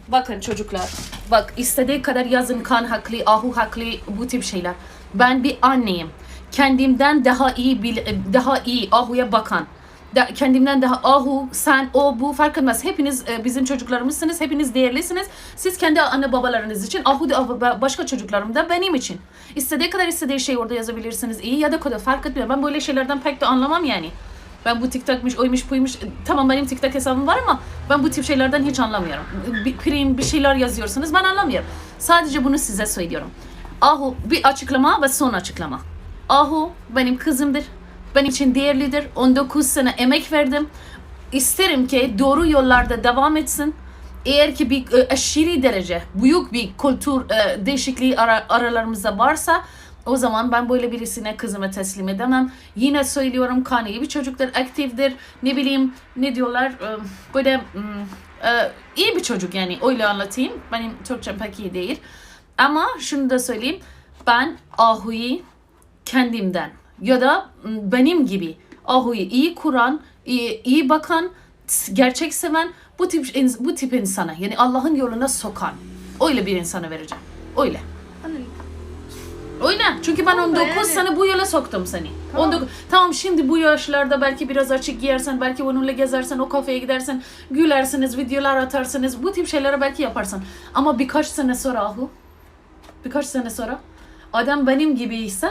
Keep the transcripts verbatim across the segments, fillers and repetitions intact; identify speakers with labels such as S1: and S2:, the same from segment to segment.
S1: Bakın çocuklar, bak istediği kadar yazın kan haklı, ahu haklı, bu tip şeyler. Ben bir anneyim. Kendimden daha iyi daha iyi ahuya bakan. Da, kendimden daha ahu, sen, o, bu fark etmez. Hepiniz e, bizim çocuklarımızsınız. Hepiniz değerlisiniz. Siz kendi anne babalarınız için, ahu da başka çocuklarım da benim için. İstediği kadar istediği şey orada yazabilirsiniz. İyi ya da kötü fark etmiyor. Ben böyle şeylerden pek de anlamam yani. Ben bu TikTok'muş, oymuş, buymuş. Tamam benim TikTok hesabım var ama ben bu tip şeylerden hiç anlamıyorum. Bir prim, bir şeyler yazıyorsunuz, ben anlamıyorum. Sadece bunu size söylüyorum. Ahu bir açıklama ve son açıklama. Ahu benim kızımdır. Benim için değerlidir. on dokuz sene emek verdim. İsterim ki doğru yollarda devam etsin. Eğer ki bir e, aşırı derece büyük bir kültür e, değişikliği ara, aralarımızda varsa o zaman ben böyle birisine kızımı teslim edemem. Yine söylüyorum, Kaan iyi bir çocuktur, aktiftir. Ne bileyim ne diyorlar e, böyle e, iyi bir çocuk yani, öyle anlatayım. Benim Türkçem pek iyi değil. Ama şunu da söyleyeyim. Ben Ahu'yu kendimden ya da benim gibi Ahu'yu iyi kuran, iyi, iyi bakan, gerçek seven bu tip bu tip insana, yani Allah'ın yoluna sokan öyle bir insana vereceğim. Öyle. Öyle. Çünkü ben on dokuz yani sene bu yola soktum seni. Tamam. on dokuz Tamam, şimdi bu yaşlarda belki biraz açık giyersen, belki onunla gezersen, o kafeye gidersen, gülersiniz, videolar atarsınız, bu tip şeyleri belki yaparsan. Ama birkaç sene sonra Ahu, birkaç sene sonra adam benim gibi ise,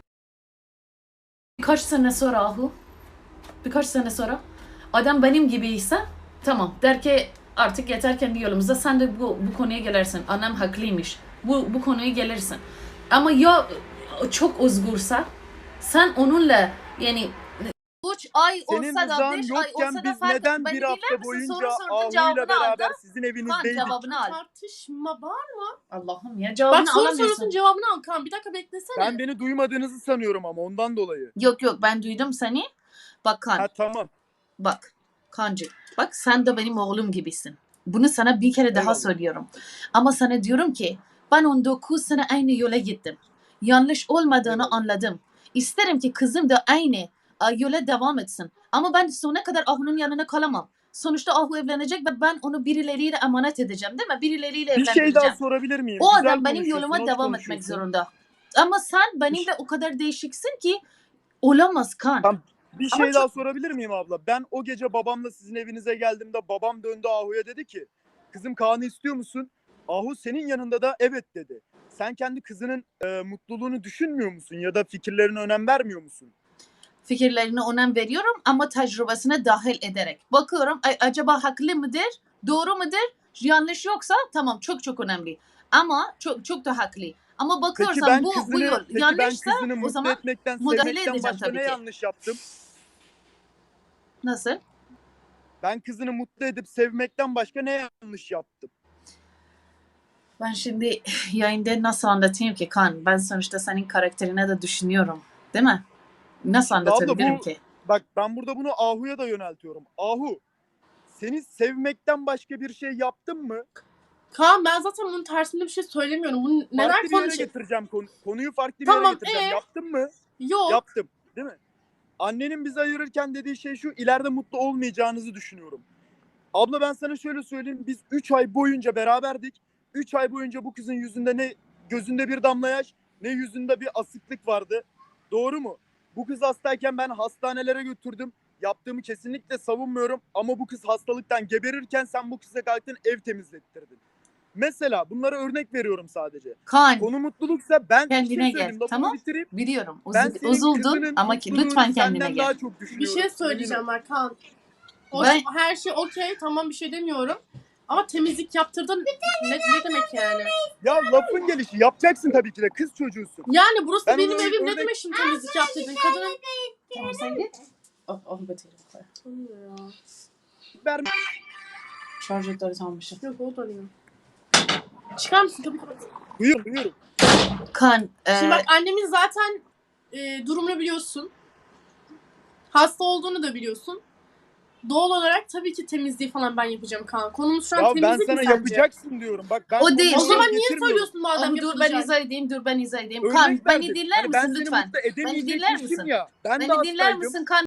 S1: birkaç sene sonra Ahu, birkaç sene sonra adam benim gibi ise tamam der ki artık yeter kendi yolumuzda, sen de bu, bu konuya gelirsin. Annem haklıymış. Bu, bu konuya gelirsin. Ama ya çok özgürse sen onunla yani üç ay
S2: senin
S1: olsa da beş ay olsa da fark
S2: neden bir hafta boyunca Ahu'yla beraber aldı. Sizin evinizdeydik?
S1: Kan cevabını al.
S3: Tartışma var mı?
S1: Allah'ım ya, cevabını
S3: Bak soru
S1: alamıyorsun.
S3: sorusun cevabını al Kan. Bir dakika beklesene.
S2: Ben beni duymadığınızı sanıyorum ama ondan dolayı.
S1: Yok yok, ben duydum seni. Bak Kan.
S2: Ha tamam.
S1: Bak Kancı. Bak sen de benim oğlum gibisin. Bunu sana bir kere daha
S2: Eyvallah.
S1: söylüyorum. Ama sana diyorum ki ben on dokuz sene aynı yola gittim. Yanlış olmadığını
S2: Eyvallah.
S1: anladım. İsterim ki kızım da aynı yola devam etsin. Ama ben sonuna kadar Ahu'nun yanına kalamam. Sonuçta Ahu evlenecek ve ben onu birileriyle emanet edeceğim, değil mi? Birileriyle
S2: Bir
S1: evlendireceğim.
S2: şey daha sorabilir miyim?
S1: O
S2: Güzel
S1: adam benim
S2: konuşuyorsun,
S1: yoluma
S2: hoş
S1: devam etmek
S2: konuşuyorsun.
S1: zorunda. Ama sen benimle o kadar değişiksin ki olamaz Kan.
S2: Tamam. Bir
S1: Ama
S2: şey
S1: çok-
S2: daha sorabilir miyim abla? Ben o gece babamla sizin evinize geldiğimde babam döndü Ahu'ya, dedi ki kızım Kaan'ı istiyor musun? Ahu senin yanında da evet dedi. Sen kendi kızının e, mutluluğunu düşünmüyor musun ya da fikirlerine önem vermiyor musun?
S1: Fikirlerine önem veriyorum ama tecrübesine dahil ederek. Bakıyorum ay, acaba haklı mıdır? Doğru mudur? Yanlış yoksa tamam, çok çok önemli. Ama çok çok da haklı. Ama
S2: Peki
S1: bakıyorsan
S2: ben
S1: bu,
S2: kızını,
S1: bu yol
S2: peki ben
S1: yanlışsa
S2: kızını
S1: o
S2: mutlu
S1: zaman
S2: etmekten,
S1: müdahale
S2: sevmekten
S1: edeceğim
S2: başka
S1: tabii
S2: ne
S1: ki.
S2: yanlış yaptım?
S1: Nasıl?
S2: Ben kızını mutlu edip sevmekten başka ne yanlış yaptım?
S1: Ben şimdi yayında nasıl anlatayım ki Kan? Ben sonuçta senin karakterine de düşünüyorum. Değil mi? Nasıl anlatabilirim
S2: Abla bu,
S1: ki?
S2: bak ben burada bunu Ahu'ya da yöneltiyorum. Ahu, seni sevmekten başka bir şey yaptım mı?
S3: Kaan ben zaten bunun tersinde bir şey söylemiyorum. Bunu neden
S2: Farklı bir yere
S3: konuşuyor?
S2: getireceğim konu, konuyu farklı bir
S3: Tamam,
S2: yere getireceğim.
S3: ee?
S2: Yaptın mı?
S3: Yok.
S2: Yaptım, değil mi? Annenin bizi ayırırken dediği şey şu: ileride mutlu olmayacağınızı düşünüyorum. Abla ben sana şöyle söyleyeyim, biz üç ay boyunca beraberdik. üç ay boyunca bu kızın yüzünde ne gözünde bir damla yaş, ne yüzünde bir asıklık vardı. Doğru mu? Bu kız hastayken ben hastanelere götürdüm. Yaptığımı kesinlikle savunmuyorum ama bu kız hastalıktan geberirken sen bu kıza kalktın, ev temizlettirdin. Mesela bunlara örnek veriyorum sadece.
S1: Kan,
S2: Konu mutluluksa ben
S1: kendine
S2: bir şey
S1: gel,
S2: söyleyeyim, lafımı
S1: tamam?
S2: bitireyim.
S1: Biliyorum.
S2: Ben
S1: Uzul,
S2: senin
S1: uzuldun
S2: kızının
S1: ama ki,
S2: mutluluğunu
S1: lütfen kendine
S2: senden
S1: gel.
S2: daha çok
S3: Bir
S2: düşünüyorum.
S3: şey söyleyeceğim bak Kaan. O
S1: Ben-
S3: her şey okey, tamam, bir şey demiyorum. Ama temizlik yaptırdın. Ne, ne demek yani?
S2: Ya lafın gelişi yapacaksın tabii ki de, kız çocuğusun.
S3: Yani burası
S2: Ben
S3: benim
S2: ona
S3: evim. Ne
S2: örnek-
S3: demek şimdi temizlik yaptırdın? Kadının...
S1: Tamam sen git. Oh, oh beterim.
S2: Verme.
S1: Şarjörleri sanmışım.
S3: Yok o da arıyor. Çıkar mısın? Kapıyı kapat.
S2: Buyur buyur.
S1: Kan, e,
S3: Şimdi bak annemin zaten e, durumunu biliyorsun. Hasta olduğunu da biliyorsun. Doğal olarak tabii ki temizliği falan ben yapacağım Kaan. Konumuz şu an
S2: Ya ben
S3: temizlik
S2: sana
S3: mi sence?
S2: yapacaksın diyorum. Bak ben
S1: O değil.
S3: O zaman niye
S2: getirmiyorum.
S3: söylüyorsun madem
S1: oh, dur ben
S3: yapılacak?
S1: izah edeyim, dur ben izah edeyim.
S2: Örnek
S1: Kan, beni
S2: verdim.
S1: dinler
S2: Hani ben
S1: misin
S2: seni
S1: lütfen?
S2: mutlu
S1: Beni dinler
S2: edemeyecekmişim
S1: misin?
S2: ya. Ben de
S1: Beni dinler
S2: hastaydım.
S1: misin Kan?